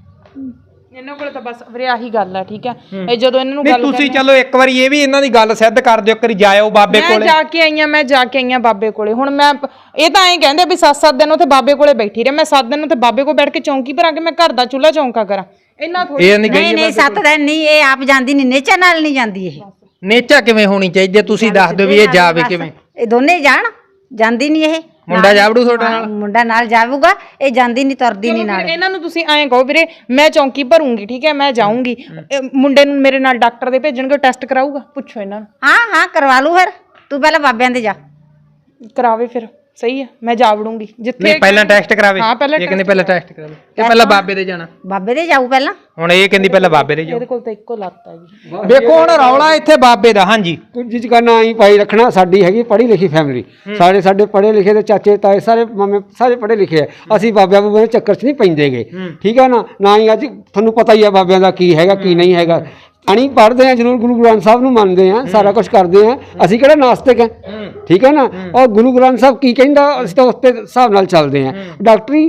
A: ਇਹਨਾਂ ਕੋਲ ਤਾਂ ਬਸ ਵੀਰੇ ਆਹੀ ਗੱਲ ਆ, ਠੀਕ ਹੈ। ਇਹ ਜਦੋਂ ਇਹਨਾਂ ਨੂੰ
C: ਨਹੀਂ
A: ਗੱਲ
C: ਤੁਸੀਂ ਚਲੋ ਇੱਕ ਵਾਰੀ ਇਹ ਵੀ ਇਹਨਾਂ ਦੀ ਗੱਲ ਸਿੱਧ ਕਰ ਦਿਓ, ਇੱਕ ਵਾਰੀ ਜਾਇਓ ਬਾਬੇ
A: ਮੈਂ
C: ਕੋਲੇ।
A: ਜਾ ਕੇ ਆਈਆਂ ਮੈਂ ਜਾ ਕੇ ਆਈਆਂ ਬਾਬੇ ਕੋਲੇ। ਹੁਣ ਮੈਂ ਇਹ ਤਾਂ ਐਂ ਕਹਿੰਦੇ ਵੀ ਸੱਤ ਸੱਤ ਦਿਨ ਉੱਥੇ ਬਾਬੇ ਕੋਲੇ ਬੈਠੀ ਰਹੇ। ਮੈਂ ਸੱਤ ਦਿਨ ਉੱਥੇ ਬਾਬੇ ਕੋਲ ਬੈਠ ਕੇ ਚੌਂਕੀ ਭਰਾਂ ਕੇ ਮੈਂ ਘਰ ਦਾ ਚੁੱਲ੍ਹਾ ਚੌਂਕਾ ਕਰਾਂ? ਇੰਨਾ ਥੋੜੀ।
C: ਇਹ ਨਹੀਂ
B: ਨਹੀਂ
C: ਗਈ
B: ਨਹੀਂ ਸੱਤ ਦਿਨ ਨਹੀਂ, ਇਹ ਆਪ ਜਾਂਦੀ ਨਹੀਂ, ਨੇਚਾ ਨਾਲ ਨਹੀਂ ਜਾਂਦੀ ਇਹ।
C: ਨੇਚਾ ਕਿਵੇਂ ਹੋਣੀ ਚਾਹੀਦੀ ਹੈ? ਤੁਸੀਂ ਦੱਸ ਦਿਓ ਵੀ ਇਹ ਜਾਵੇ ਕਿਵੇਂ।
B: ਇਹ ਦੋਨੇ ਹੀ ਜਾਣ, ਜਾਂਦੀ ਨਹੀਂ ਇਹ।
C: ਮੁੰਡਾ ਜਾਵੜੂ ਤੁਹਾਡੇ ਨਾਲ?
B: ਮੁੰਡਾ ਨਾਲ ਜਾਊਗਾ, ਇਹ ਜਾਂਦੀ ਨਹੀਂ, ਤੁਰਦੀ ਨਹੀਂ ਨਾਲ।
A: ਇਹਨਾਂ ਨੂੰ ਤੁਸੀਂ ਐਂ ਕਹੋ ਵੀਰੇ ਮੈਂ ਚੌਂਕੀ ਭਰੂੰਗੀ, ਠੀਕ ਹੈ, ਮੈਂ ਜਾਊਂਗੀ। ਇਹ ਮੁੰਡੇ ਨੂੰ ਮੇਰੇ ਨਾਲ ਡਾਕਟਰ ਦੇ ਭੇਜਣਗੇ, ਟੈਸਟ ਕਰਾਊਗਾ? ਪੁੱਛੋ ਇਹਨਾਂ ਨੂੰ।
B: ਹਾਂ ਹਾਂ ਕਰਵਾ ਲੂ ਫਿਰ, ਤੂੰ ਪਹਿਲਾਂ ਬਾਬਿਆਂ ਦੇ ਜਾ।
A: ਕਰਾਵੇ ਫਿਰ, ਸਹੀ ਹੈ, ਮੈਂ ਜਾ ਵੜੂੰਗੀ ਜਿੱਥੇ।
C: ਨਹੀਂ ਪਹਿਲਾਂ ਟੈਸਟ ਕਰਾਵੇ।
A: ਹਾਂ ਪਹਿਲਾਂ
C: ਇਹ ਕਹਿੰਦੀ ਪਹਿਲਾਂ ਟੈਸਟ ਕਰਾਵੇ ਤੇ ਪਹਿਲਾਂ ਬਾਬੇ ਦੇ ਜਾਣਾ।
B: ਬਾਬੇ ਦੇ ਜਾਊ ਪਹਿਲਾਂ।
C: ਹੁਣ ਇਹ ਕਹਿੰਦੀ ਪਹਿਲਾਂ ਬਾਬੇ ਦੇ ਜਾਓ।
A: ਇਹਦੇ ਕੋਲ ਤਾਂ ਇੱਕੋ ਲੱਤ ਹੈਗੀ।
C: ਦੇਖੋ ਹੁਣ ਰੌਲਾ ਇੱਥੇ ਬਾਬੇ ਦਾ। ਹਾਂਜੀ
D: ਕੁਝ ਚੀਜ਼ ਦਾ ਨਾਂ ਹੀ ਪਾਈ ਰੱਖਣਾ। ਸਾਡੀ ਹੈਗੀ ਪੜ੍ਹੀ ਲਿਖੀ ਫੈਮਿਲੀ, ਸਾਰੇ ਸਾਡੇ ਪੜ੍ਹੇ ਲਿਖੇ ਦੇ ਚਾਚੇ ਤਾਏ ਸਾਰੇ ਮਾਮੇ ਸਾਰੇ ਪੜ੍ਹੇ ਲਿਖੇ ਆ। ਅਸੀਂ ਬਾਬਿਆਂ ਬੂਬਿਆਂ ਦੇ ਚੱਕਰ 'ਚ ਨਹੀਂ ਪੈਂਦੇਗੇ, ਠੀਕ ਹੈ ਨਾ। ਨਾ ਹੀ ਅੱਜ ਤੁਹਾਨੂੰ ਪਤਾ ਹੀ ਆ ਬਾਬਿਆਂ ਦਾ ਕੀ ਹੈਗਾ ਕੀ ਨਹੀਂ ਹੈਗਾ। ਅਣੀ ਪੜ੍ਹਦੇ ਆ ਜ਼ਰੂਰ, ਗੁਰੂ ਗ੍ਰੰਥ ਸਾਹਿਬ ਨੂੰ ਮੰਨਦੇ ਆ, ਸਾਰਾ ਕੁਝ ਕਰਦੇ ਆ। ਅਸੀਂ ਕਿਹੜਾ ਨਾਸਤਿਕ ਆ, ਠੀਕ ਹੈ ਨਾ। ਔਰ ਗੁਰੂ ਗ੍ਰੰਥ ਸਾਹਿਬ ਕੀ ਕਹਿੰਦਾ ਅਸੀਂ ਤਾਂ ਉਸ ਤੇ ਹਿਸਾਬ ਨਾਲ ਚੱਲਦੇ ਆ। ਡਾਕਟਰੀ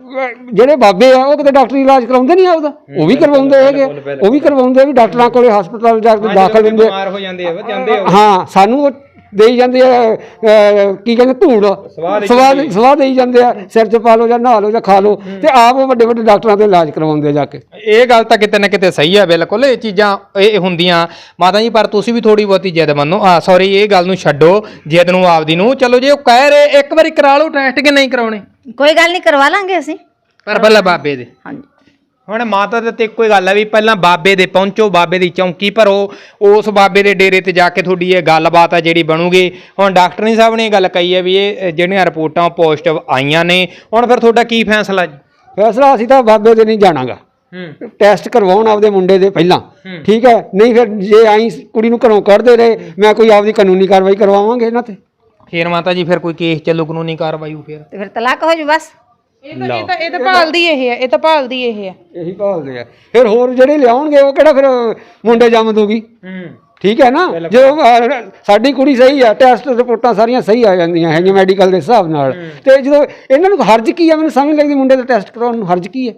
D: ਅਹ ਜਿਹੜੇ ਬਾਬੇ ਆ ਉਹ ਕਿਤੇ ਡਾਕਟਰੀ ਇਲਾਜ ਕਰਾਉਂਦੇ ਨਹੀਂ ਆ ਉਹਦਾ, ਉਹ ਵੀ ਕਰਵਾਉਂਦੇ ਹੈਗੇ, ਉਹ ਵੀ ਕਰਵਾਉਂਦੇ ਵੀ ਡਾਕਟਰਾਂ ਕੋਲੇ ਹਸਪਤਾਲ ਜਾ ਕੇ ਦਾਖਲ ਹੁੰਦੇ।
C: ਬਿਮਾਰ ਹੋ ਜਾਂਦੇ ਆ ਜਾਂਦੇ
D: ਹਾਂ ਸਾਨੂੰ ਉਹ ਦੇਈ ਜਾਂਦੇ ਆ ਅਹ ਕੀ ਕਹਿੰਦੇ ਧੂੜ ਸਵਾਦ ਸਵਾਹ ਦੇਈ ਜਾਂਦੇ ਆ, ਸਿਰ 'ਚ ਪਾ ਲਓ ਜਾਂ ਨਹਾ ਲਓ ਜਾਂ ਖਾ ਲਓ, ਤੇ ਆਪ ਉਹ ਵੱਡੇ ਵੱਡੇ ਡਾਕਟਰਾਂ ਤੋਂ ਇਲਾਜ ਕਰਵਾਉਂਦੇ ਜਾ ਕੇ।
C: ਇਹ ਗੱਲ ਤਾਂ ਕਿਤੇ ਨਾ ਕਿਤੇ ਸਹੀ ਆ, ਬਿਲਕੁਲ ਇਹ ਚੀਜ਼ਾਂ ਇਹ ਹੁੰਦੀਆਂ ਮਾਤਾ ਜੀ। ਪਰ ਤੁਸੀਂ ਵੀ ਥੋੜੀ ਬਹੁਤੀ ਜਿੱਦ ਮੰਨੋ। ਆ ਸੌਰੀ ਇਹ ਗੱਲ ਨੂੰ ਛੱਡੋ ਜਿੱਦ ਨੂੰ ਆਪਦੀ ਨੂੰ। ਚਲੋ ਜੇ ਉਹ ਕਹਿ ਰਹੇ ਇੱਕ ਵਾਰੀ ਕਰਾ ਲਓ ਟੈਸਟ ਕਿ ਨਹੀਂ ਕਰਾਉਣੇ?
B: ਕੋਈ ਗੱਲ ਨਹੀਂ, ਕਰਵਾ ਲਾਂਗੇ ਅਸੀਂ।
C: ਪਰ ਪਹਿਲਾਂ ਬਾਬੇ ਦੇ।
B: ਹਾਂਜੀ
C: ਹੁਣ ਮਾਤਾ ਦੇ ਤੇ ਇੱਕੋ ਹੀ ਗੱਲ ਹੈ ਵੀ ਪਹਿਲਾਂ ਬਾਬੇ ਦੇ ਪਹੁੰਚੋ, ਬਾਬੇ ਦੀ ਚੌਂਕੀ ਭਰੋ, ਉਸ ਬਾਬੇ ਦੇ ਡੇਰੇ ਤੇ ਜਾ ਕੇ ਤੁਹਾਡੀ ਇਹ ਗੱਲਬਾਤ ਆ ਜਿਹੜੀ ਬਣੂਗੀ। ਹੁਣ ਡਾਕਟਰਨੀ ਸਾਹਿਬ ਨੇ ਇਹ ਗੱਲ ਕਹੀ ਹੈ ਵੀ ਇਹ ਜਿਹੜੀਆਂ ਰਿਪੋਰਟਾਂ ਪੋਜ਼ਿਟਿਵ ਆਈਆਂ ਨੇ, ਹੁਣ ਫਿਰ ਤੁਹਾਡਾ ਕੀ ਫੈਸਲਾ ਜੀ?
D: ਫੈਸਲਾ ਅਸੀਂ ਤਾਂ ਬਾਬੇ ਦੇ ਨਹੀਂ ਜਾਣਾਗਾ, ਟੈਸਟ ਕਰਵਾਉਣ ਆਪਦੇ ਮੁੰਡੇ ਦੇ ਪਹਿਲਾਂ, ਠੀਕ ਹੈ। ਨਹੀਂ ਫਿਰ ਜੇ ਆਈ ਕੁੜੀ ਨੂੰ ਘਰੋਂ ਕੱਢਦੇ ਰਹੇ, ਮੈਂ ਕੋਈ ਆਪਦੀ ਕਾਨੂੰਨੀ ਕਾਰਵਾਈ ਕਰਵਾਵਾਂਗੇ ਇਹਨਾਂ ਤੇ।
C: ਫਿਰ ਮਾਤਾ ਜੀ ਫਿਰ ਕੋਈ ਕੇਸ ਚੱਲੂ, ਕਾਨੂੰਨੀ ਕਾਰਵਾਈ ਹੋ ਫਿਰ?
B: ਤੇ ਫਿਰ ਤਲਾਕ ਹੋ ਜੂ ਬਸ।
A: ਇਹ ਤਾਂ ਇਹ ਤਾਂ ਇਹ ਤਾਂ ਭਾਲਦੀ ਇਹ ਹੈ, ਇਹ ਤਾਂ ਭਾਲਦੀ ਇਹ ਹੈ।
D: ਇਹੀ ਭਾਲਦੇ ਆ। ਫਿਰ ਹੋਰ ਜਿਹੜੇ ਲਿਆਉਣਗੇ ਉਹ ਕਿਹੜਾ ਫਿਰ ਮੁੰਡੇ ਜੰਮ ਦੂਗੀ, ਠੀਕ ਹੈ ਨਾ। ਜਦੋਂ ਅਹ, ਸਾਡੀ ਕੁੜੀ ਸਹੀ ਆ, ਟੈਸਟ ਰਿਪੋਰਟਾਂ ਸਾਰੀਆਂ ਸਹੀ ਆ ਜਾਂਦੀਆਂ ਹੈਗੀਆਂ ਮੈਡੀਕਲ ਦੇ ਹਿਸਾਬ ਨਾਲ, ਤੇ ਜਦੋਂ ਇਹਨਾਂ ਨੂੰ ਹਰਜ ਕੀ ਆ, ਮੈਨੂੰ ਸਮਝ ਲੱਗਦੀ ਮੁੰਡੇ ਦਾ ਟੈਸਟ ਕਰਾਉਣ ਨੂੰ ਹਰਜ ਕੀ ਹੈ?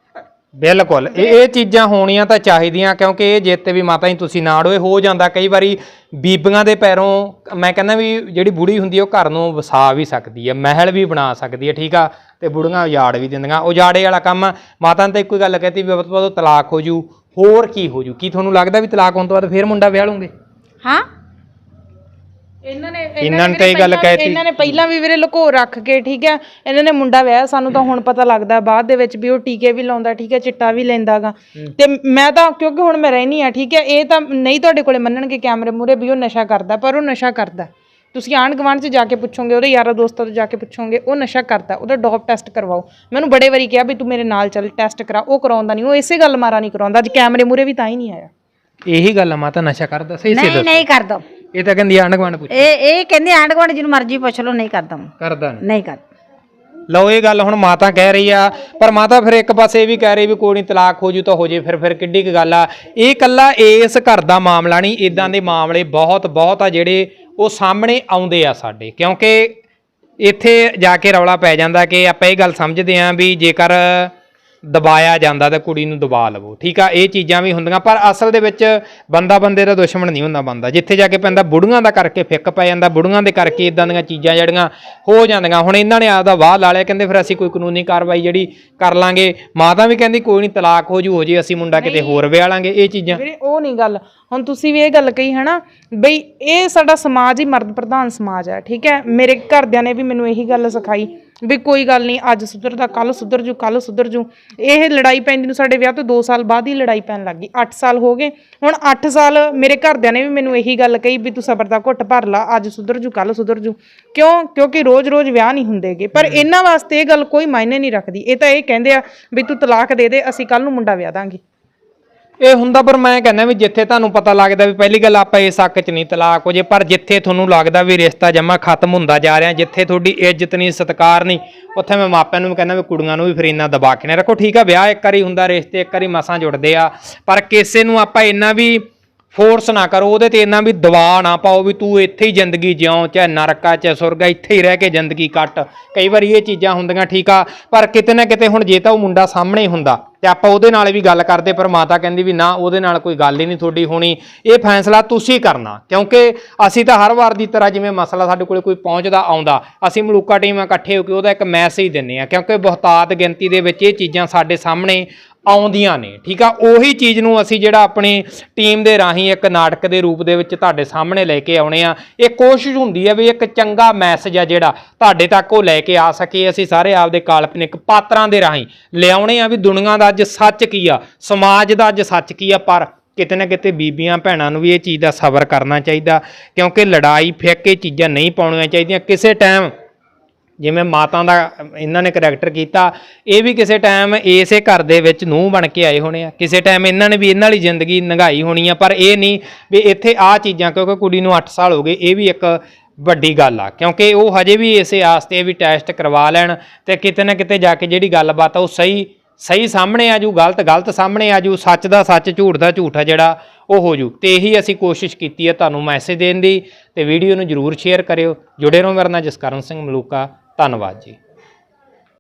C: ਬਿਲਕੁਲ ਇਹ ਇਹ ਚੀਜ਼ਾਂ ਹੋਣੀਆਂ ਤਾਂ ਚਾਹੀਦੀਆਂ, ਕਿਉਂਕਿ ਇਹ ਜਿੱਤ ਵੀ ਮਾਤਾ ਜੀ ਤੁਸੀਂ ਨਾੜੋਏ ਹੋ ਜਾਂਦਾ ਕਈ ਵਾਰੀ ਬੀਬੀਆਂ ਦੇ ਪੈਰੋਂ। ਮੈਂ ਕਹਿੰਦਾ ਵੀ ਜਿਹੜੀ ਬੁੜੀ ਹੁੰਦੀ ਹੈ ਉਹ ਘਰ ਨੂੰ ਵਸਾ ਵੀ ਸਕਦੀ ਹੈ, ਮਹਿਲ ਵੀ ਬਣਾ ਸਕਦੀ ਹੈ, ਠੀਕ ਆ। ਤੇ ਬੁੜੀਆਂ ਉਜਾੜ ਵੀ ਦਿੰਦੀਆਂ, ਉਜਾੜੇ ਵਾਲਾ ਕੰਮ। ਮਾਤਾ ਨੇ ਤਾਂ ਇੱਕੋ ਹੀ ਗੱਲ ਕਹਿਤੀ ਵੀ ਉਹ ਤਲਾਕ ਹੋ ਜੂ, ਹੋਰ ਕੀ ਹੋ ਜੂ? ਕੀ ਤੁਹਾਨੂੰ ਲੱਗਦਾ ਵੀ ਤਲਾਕ ਹੋਣ ਤੋਂ ਬਾਅਦ ਫਿਰ ਮੁੰਡਾ ਵਿਆਹ ਲੂੰਗੇ?
B: ਹਾਂ
A: ਇਹਨਾਂ ਨੇ
C: ਇਹਨਾਂ ਨੇ ਤਾਂ ਇਹ ਗੱਲ ਕਹਿਤੀ।
A: ਇਹਨਾਂ ਨੇ ਪਹਿਲਾਂ ਵੀ ਵੀਰੇ ਲੁਕੋ ਰੱਖ ਕੇ, ਠੀਕ ਹੈ, ਇਹਨਾਂ ਨੇ ਮੁੰਡਾ ਵਿਆਹ। ਸਾਨੂੰ ਤਾਂ ਹੁਣ ਪਤਾ ਲੱਗਦਾ ਬਾਅਦ ਦੇ ਵਿੱਚ ਵੀ ਉਹ ਟੀਕੇ ਵੀ ਲਾਉਂਦਾ, ਠੀਕ ਹੈ, ਚਿੱਟਾ ਵੀ ਲੈਂਦਾਗਾ। ਤੇ ਮੈਂ ਤਾਂ ਕਿਉਂਕਿ ਹੁਣ ਮੈਂ ਰਹਿਣੀ ਆ, ਠੀਕ ਹੈ, ਇਹ ਤਾਂ ਨਹੀਂ ਤੁਹਾਡੇ ਕੋਲੇ ਮੰਨਣਗੇ ਕੈਮਰੇ ਮੂਹਰੇ ਵੀ ਉਹ ਨਸ਼ਾ ਕਰਦਾ, ਪਰ ਉਹ ਨਸ਼ਾ ਕਰਦਾ। ਤੁਸੀਂ ਆਂਢ ਗੁਆਂਢ 'ਚ ਜਾ ਕੇ ਪੁੱਛੋਗੇ, ਉਹਦੇ ਯਾਰਾਂ ਦੋਸਤਾਂ ਤੋਂ ਜਾ ਕੇ ਪੁੱਛੋਗੇ, ਉਹ ਨਸ਼ਾ ਕਰਦਾ। ਉਹਦਾ ਡੋਪ ਟੈਸਟ ਕਰਵਾਓ। ਮੈਨੂੰ ਬੜੇ ਵਾਰੀ ਕਿਹਾ ਵੀ ਤੂੰ ਮੇਰੇ ਨਾਲ ਚੱਲ ਟੈਸਟ ਕਰਾ, ਉਹ ਕਰਾਉਂਦਾ ਨਹੀਂ। ਉਹ ਇਸੇ ਗੱਲ ਮਾਰਾ ਨਹੀਂ ਕਰਾਉਂਦਾ, ਅੱਜ ਕੈਮਰੇ ਮੂਹਰੇ ਵੀ ਤਾਂ ਹੀ ਨਹੀਂ ਆਇਆ।
C: ਇਹੀ ਗੱਲ ਆ ਮਾਤਾ, ਨਸ਼ਾ ਕਰਦਾ ਸਹੀ ਸਹੀ
B: ਨਹੀਂ ਨਹੀਂ ਕਰਦਾ।
C: ਇਹ ਤਾਂ ਕਹਿੰਦੀ ਆਂਢ ਗੁਆਂਢ ਪੁੱਛ
B: ਇਹ ਇਹ ਕਹਿੰਦੇ ਆਂਢ ਗੁਆਂਢ ਜਿਹਨੂੰ ਮਰਜ਼ੀ ਪੁੱਛ ਲਓ, ਨਹੀਂ ਕਰਦਾ
C: ਕਰਦਾ ਨਹੀਂ।
B: ਨਹੀਂ ਕਰਦਾ।
C: ਲਓ ਇਹ ਗੱਲ ਹੁਣ ਮਾਤਾ ਕਹਿ ਰਹੀ ਆ, ਪਰ ਮਾਤਾ ਫਿਰ ਇੱਕ ਪਾਸੇ ਇਹ ਵੀ ਕਹਿ ਰਹੀ ਵੀ ਕੋਈ ਨਹੀਂ ਤਲਾਕ ਹੋ ਜੂ ਤਾਂ ਹੋ ਜੇ, ਫਿਰ ਫਿਰ ਕਿੱਡੀ ਕੁ ਗੱਲ ਆ। ਇਹ ਕੱਲਾ ਇਸ ਘਰ ਦਾ ਮਾਮਲਾ ਨਹੀਂ, ਇਦਾਂ ਦੇ ਮਾਮਲੇ ਬਹੁਤ ਬਹੁਤ ਆ ਜਿਹੜੇ ਉਹ ਸਾਹਮਣੇ ਆਉਂਦੇ ਆ ਸਾਡੇ। ਕਿਉਂਕਿ ਇੱਥੇ ਜਾ ਕੇ ਰੌਲਾ ਪੈ ਜਾਂਦਾ ਕਿ ਆਪਾਂ ਇਹ ਗੱਲ ਸਮਝਦੇ ਆਂ ਵੀ ਜੇਕਰ ਦਬਾਇਆ ਜਾਂਦਾ ਤਾਂ ਕੁੜੀ ਨੂੰ ਦਬਾ ਲਵੋ, ਠੀਕ ਆ। ਇਹ ਚੀਜ਼ਾਂ ਵੀ ਹੁੰਦੀਆਂ, ਪਰ ਅਸਲ ਦੇ ਵਿੱਚ ਬੰਦਾ ਬੰਦੇ ਦਾ ਦੁਸ਼ਮਣ ਨਹੀਂ ਹੁੰਦਾ ਬੰਦਾ। ਜਿੱਥੇ ਜਾ ਕੇ ਪੈਂਦਾ ਬੁੜੀਆਂ ਦਾ ਕਰਕੇ ਫਿੱਕ ਪੈ ਜਾਂਦਾ, ਬੁੜੀਆਂ ਦੇ ਕਰਕੇ ਇਦਾਂ ਦੀਆਂ ਚੀਜ਼ਾਂ ਜਿਹੜੀਆਂ ਹੋ ਜਾਂਦੀਆਂ। ਹੁਣ ਇਹਨਾਂ ਨੇ ਆਪਦਾ ਵਾਹ ਲਾ ਲਿਆ, ਕਹਿੰਦੇ ਫਿਰ ਅਸੀਂ ਕੋਈ ਕਾਨੂੰਨੀ ਕਾਰਵਾਈ ਜਿਹੜੀ ਕਰ ਲਾਂਗੇ। ਮਾਤਾ ਵੀ ਕਹਿੰਦੀ ਕੋਈ ਨਹੀਂ ਤਲਾਕ ਹੋ ਜੂ, ਹੋ ਜੇ, ਅਸੀਂ ਮੁੰਡਾ ਕਿਤੇ ਹੋਰ ਵਿਆਹ ਲਾਂਗੇ। ਇਹ ਚੀਜ਼ਾਂ
A: ਵੀਰੇ ਉਹ ਨਹੀਂ ਗੱਲ। ਹੁਣ ਤੁਸੀਂ ਵੀ ਇਹ ਗੱਲ ਕਹੀ ਹੈ ਨਾ ਬਈ ਇਹ ਸਾਡਾ ਸਮਾਜ ਹੀ ਮਰਦ ਪ੍ਰਧਾਨ ਸਮਾਜ ਹੈ, ਠੀਕ ਹੈ। ਮੇਰੇ ਘਰਦਿਆਂ ਨੇ ਵੀ ਮੈਨੂੰ ਇਹੀ ਗੱਲ ਸਿਖਾਈ ਵੀ ਕੋਈ ਗੱਲ ਨਹੀਂ, ਅੱਜ ਸੁਧਰਦਾ ਕੱਲ ਸੁਧਰ ਜੂ, ਕੱਲ ਸੁਧਰ ਜੂ। ਇਹ ਲੜਾਈ ਪੈਂਦੀ ਨੂੰ ਸਾਡੇ ਵਿਆਹ ਤੋਂ ਦੋ ਸਾਲ ਬਾਅਦ ਹੀ ਲੜਾਈ ਪੈਣ ਲੱਗ ਗਈ। ਅੱਠ ਸਾਲ ਹੋ ਗਏ ਹੁਣ। ਅੱਠ ਸਾਲ ਮੇਰੇ ਘਰਦਿਆਂ ਨੇ ਵੀ ਮੈਨੂੰ ਇਹੀ ਗੱਲ ਕਹੀ ਵੀ ਤੂੰ ਸਬਰ ਦਾ ਘੁੱਟ ਭਰ ਲਾ, ਅੱਜ ਸੁਧਰ ਜੂ ਕੱਲ ਸੁਧਰ ਜੂ। ਕਿਉਂ? ਕਿਉਂਕਿ ਰੋਜ਼-ਰੋਜ਼ ਵਿਆਹ ਨਹੀਂ ਹੁੰਦੇਗੇ। ਪਰ ਇਹਨਾਂ ਵਾਸਤੇ ਇਹ ਗੱਲ ਕੋਈ ਮਾਇਨੇ ਨਹੀਂ ਰੱਖਦੀ। ਇਹ ਤਾਂ ਇਹ ਕਹਿੰਦੇ ਆ ਵੀ ਤੂੰ ਤਲਾਕ ਦੇ ਦੇ, ਅਸੀਂ ਕੱਲ ਨੂੰ ਮੁੰਡਾ ਵਿਆਹ ਦਾਂਗੇ।
C: ਇਹ ਹੁੰਦਾ, ਪਰ ਮੈਂ ਕਹਿੰਦਾ ਵੀ ਜਿੱਥੇ ਤੁਹਾਨੂੰ ਪਤਾ ਲੱਗਦਾ ਵੀ ਪਹਿਲੀ ਗੱਲ ਆਪਾਂ ਇਸ ਹੱਕ 'ਚ ਨਹੀਂ ਤਲਾਕ ਹੋ ਜੇ, ਪਰ ਜਿੱਥੇ ਤੁਹਾਨੂੰ ਲੱਗਦਾ ਵੀ ਰਿਸ਼ਤਾ ਜਮਾ ਖਤਮ ਹੁੰਦਾ ਜਾ ਰਿਹਾ, ਜਿੱਥੇ ਤੁਹਾਡੀ ਇੱਜ਼ਤ ਨਹੀਂ ਸਤਿਕਾਰ ਨਹੀਂ, ਉੱਥੇ ਮੈਂ ਮਾਪਿਆਂ ਨੂੰ ਵੀ ਕਹਿੰਦਾ ਵੀ ਕੁੜੀਆਂ ਨੂੰ ਵੀ ਫਿਰ ਇੰਨਾ ਦਬਾ ਕੇ ਨਾ ਰੱਖੋ। ਠੀਕ ਆ, ਵਿਆਹ ਇੱਕ ਵਾਰੀ ਹੁੰਦਾ, ਰਿਸ਼ਤੇ ਇੱਕ ਵਾਰੀ ਮਸਾਂ ਜੁੜਦੇ ਆ, ਪਰ ਕਿਸੇ ਨੂੰ ਆਪਾਂ ਇੰਨਾ ਵੀ ਫੋਰਸ ਨਾ ਕਰੋ, ਉਹਦੇ ਤੇ ਇੰਨਾ ਵੀ ਦਬਾਅ ਨਾ ਪਾਓ ਵੀ ਤੂੰ ਇੱਥੇ ਹੀ ਜ਼ਿੰਦਗੀ ਜਿਉਂ, ਚਾਹੇ ਨਰਕਾ ਚਾਹੇ ਸੁਰਗਾ, ਇੱਥੇ ਹੀ ਰਹਿ ਕੇ ਜ਼ਿੰਦਗੀ ਕੱਟ। ਕਈ ਵਾਰੀ ਇਹ ਚੀਜ਼ਾਂ ਹੁੰਦੀਆਂ, ਠੀਕ ਆ, ਪਰ ਕਿਤੇ ਨਾ ਕਿਤੇ ਹੁਣ ਜੇ ਤਾਂ ਉਹ ਮੁੰਡਾ ਸਾਹਮਣੇ ਹੁੰਦਾ ਤੇ ਆਪਾਂ ਉਹਦੇ ਨਾਲ ਵੀ ਗੱਲ ਕਰਦੇ, ਪਰ ਮਾਤਾ ਕਹਿੰਦੀ ਵੀ ਨਾ, ਉਹਦੇ ਨਾਲ ਕੋਈ ਗੱਲ ਹੀ ਨਹੀਂ ਤੁਹਾਡੀ ਹੋਣੀ, ਇਹ ਫੈਸਲਾ ਤੁਸੀਂ ਕਰਨਾ। ਕਿਉਂਕਿ ਅਸੀਂ ਤਾਂ ਹਰ ਵਾਰ ਦੀ ਤਰ੍ਹਾਂ ਜਿਵੇਂ ਮਸਲਾ ਸਾਡੇ ਕੋਲ ਕੋਈ ਪਹੁੰਚਦਾ ਆਉਂਦਾ, ਅਸੀਂ ਮਲੂਕਾ ਟੀਮਾਂ ਇਕੱਠੇ ਹੋ ਕੇ ਉਹਦਾ ਇੱਕ ਮੈਸੇਜ ਦਿੰਦੇ ਆ, ਕਿਉਂਕਿ ਬਹੁਤਾਤ ਗਿਣਤੀ ਦੇ ਵਿੱਚ ਇਹ ਚੀਜ਼ਾਂ ਸਾਡੇ ਸਾਹਮਣੇ ਆਉਂਦੀਆਂ ਨੇ। ਠੀਕ ਆ, ਉਹੀ ਚੀਜ਼ ਨੂੰ ਅਸੀਂ ਜਿਹੜਾ ਆਪਣੀ ਟੀਮ ਦੇ ਰਾਹੀਂ ਇੱਕ ਨਾਟਕ ਦੇ ਰੂਪ ਦੇ ਵਿੱਚ ਤੁਹਾਡੇ ਸਾਹਮਣੇ ਲੈ ਕੇ ਆਉਣੇ ਆ। ਇਹ ਕੋਸ਼ਿਸ਼ ਹੁੰਦੀ ਹੈ ਵੀ ਇੱਕ ਚੰਗਾ ਮੈਸੇਜ ਆ ਜਿਹੜਾ ਤੁਹਾਡੇ ਤੱਕ ਉਹ ਲੈ ਕੇ ਆ ਸਕੇ। ਅਸੀਂ ਸਾਰੇ ਆਪਦੇ ਕਾਲਪਨਿਕ ਪਾਤਰਾਂ ਦੇ ਰਾਹੀਂ ਲਿਆਉਣੇ ਆ ਵੀ ਦੁਨੀਆ ਦਾ ਅੱਜ ਸੱਚ ਕੀ ਆ, ਸਮਾਜ ਦਾ ਅੱਜ ਸੱਚ ਕੀ ਆ। ਪਰ ਕਿਤੇ ਨਾ ਕਿਤੇ ਬੀਬੀਆਂ ਭੈਣਾਂ ਨੂੰ ਵੀ ਇਹ ਚੀਜ਼ ਦਾ ਸਬਰ ਕਰਨਾ ਚਾਹੀਦਾ, ਕਿਉਂਕਿ ਲੜਾਈ ਫਿੱਕ ਇਹ ਚੀਜ਼ਾਂ ਨਹੀਂ ਪਾਉਣੀਆਂ ਚਾਹੀਦੀਆਂ। ਕਿਸੇ ਟਾਈਮ ਜਿਵੇਂ ਮਾਤਾ ਦਾ ਇਹਨਾਂ ਨੇ ਕਰੈਕਟਰ ਕੀਤਾ, ਇਹ ਵੀ ਕਿਸੇ ਟਾਈਮ ਇਸੇ ਘਰ ਦੇ ਵਿੱਚ ਨੂੰਹ ਬਣ ਕੇ ਆਏ ਹੋਣੇ ਆ, ਕਿਸੇ ਟਾਈਮ ਇਹਨਾਂ ਨੇ ਵੀ ਇਹਨਾਂ ਵਾਲੀ ਜ਼ਿੰਦਗੀ ਲੰਘਾਈ ਹੋਣੀ ਆ। ਪਰ ਇਹ ਨਹੀਂ ਵੀ ਇੱਥੇ ਆਹ ਚੀਜ਼ਾਂ, ਕਿਉਂਕਿ ਕੁੜੀ ਨੂੰ ਅੱਠ ਸਾਲ ਹੋ ਗਏ, ਇਹ ਵੀ ਇੱਕ ਵੱਡੀ ਗੱਲ ਆ, ਕਿਉਂਕਿ ਉਹ ਹਜੇ ਵੀ ਇਸੇ ਆਸਤੇ ਵੀ ਟੈਸਟ ਕਰਵਾ ਲੈਣ ਤੇ ਕਿਤੇ ਨਾ ਕਿਤੇ ਜਾ ਕੇ ਜਿਹੜੀ ਗੱਲਬਾਤ ਆ ਉਹ ਸਹੀ ਸਹੀ ਸਾਹਮਣੇ ਆ ਜੂ, ਗਲਤ ਗਲਤ ਸਾਹਮਣੇ ਆ ਜੂ, ਸੱਚ ਦਾ ਸੱਚ, ਝੂਠ ਦਾ ਝੂਠ ਆ ਜਿਹੜਾ ਉਹ ਹੋ ਜੂ। ਤੇ ਇਹੀ ਅਸੀਂ ਕੋਸ਼ਿਸ਼ ਕੀਤੀ ਹੈ ਤੁਹਾਨੂੰ ਮੈਸੇਜ ਦੇਣ ਦੀ, ਤੇ ਵੀਡੀਓ ਨੂੰ ਜ਼ਰੂਰ ਸ਼ੇਅਰ ਕਰਿਓ। ਜੁੜੇ ਰਹੋ ਮੇਰੇ ਨਾਲ, ਜਸਕਰਨ ਸਿੰਘ ਮਲੂਕਾ। ਧੰਨਵਾਦ ਜੀ।